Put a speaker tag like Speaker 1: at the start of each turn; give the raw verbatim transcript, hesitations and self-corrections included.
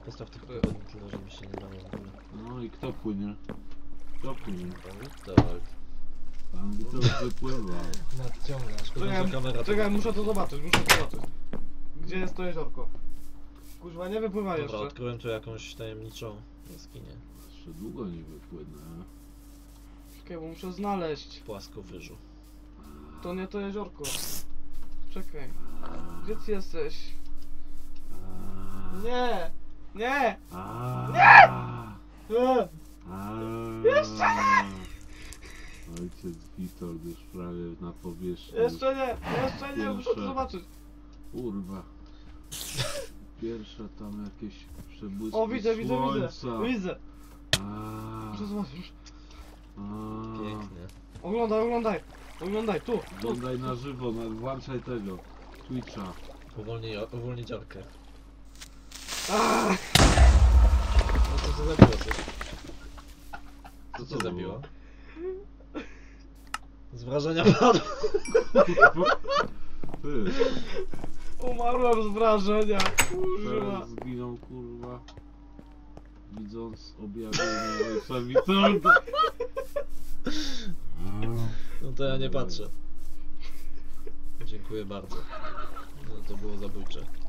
Speaker 1: Postaw tylko powodnik tyle, żeby się nie dało w ogóle.
Speaker 2: No i kto płynie? Kto płynie?
Speaker 1: Pan
Speaker 2: Pan Witold wypływa.
Speaker 1: Nadciągasz.
Speaker 3: Czekaj,
Speaker 1: kamera
Speaker 3: czekaj, muszę to zobaczyć, muszę to zobaczyć. Gdzie jest to jeziorko? Kurwa, nie wypływa
Speaker 1: Dobra,
Speaker 3: jeszcze.
Speaker 1: odkryłem tu jakąś tajemniczą jaskinię.
Speaker 2: Jeszcze długo nie wypłynę.
Speaker 3: Czekaj, bo muszę znaleźć.
Speaker 1: Płaskowyżu.
Speaker 3: To nie to jeziorko. Czekaj. Gdzie ty jesteś? Nie! Nie!
Speaker 2: Nie!
Speaker 3: Nie!
Speaker 2: Jeszcze nie! Ojciec Witold już prawie na powierzchni.
Speaker 3: Jeszcze nie! Jeszcze nie! Muszę to
Speaker 2: Pierwsze.
Speaker 3: zobaczyć.
Speaker 2: Kurwa. Pierwsze tam jakieś przebłyski
Speaker 3: O, widzę, widzę, widzę!
Speaker 2: słońca.
Speaker 3: Widzę!
Speaker 2: A,
Speaker 3: Muszę zobaczyć.
Speaker 2: a.
Speaker 1: Pięknie.
Speaker 3: Oglądaj, oglądaj! Oglądaj, tu! tu.
Speaker 2: Oglądaj na żywo, na, włączaj tego Twitcha.
Speaker 1: Uwolnij, uwolnić orkę.
Speaker 3: Aaaa!
Speaker 1: No to co zabiło coś? Co
Speaker 2: Co
Speaker 1: cię
Speaker 2: to
Speaker 1: zabiło?
Speaker 2: było?
Speaker 1: Z wrażenia padł.
Speaker 2: Ty,
Speaker 3: Umarłem z wrażenia! Kurwa!
Speaker 2: teraz zginął kurwa. Widząc objawienie ojca Witolda.
Speaker 1: No to ja nie patrzę. Dziękuję bardzo. No to było zabójcze.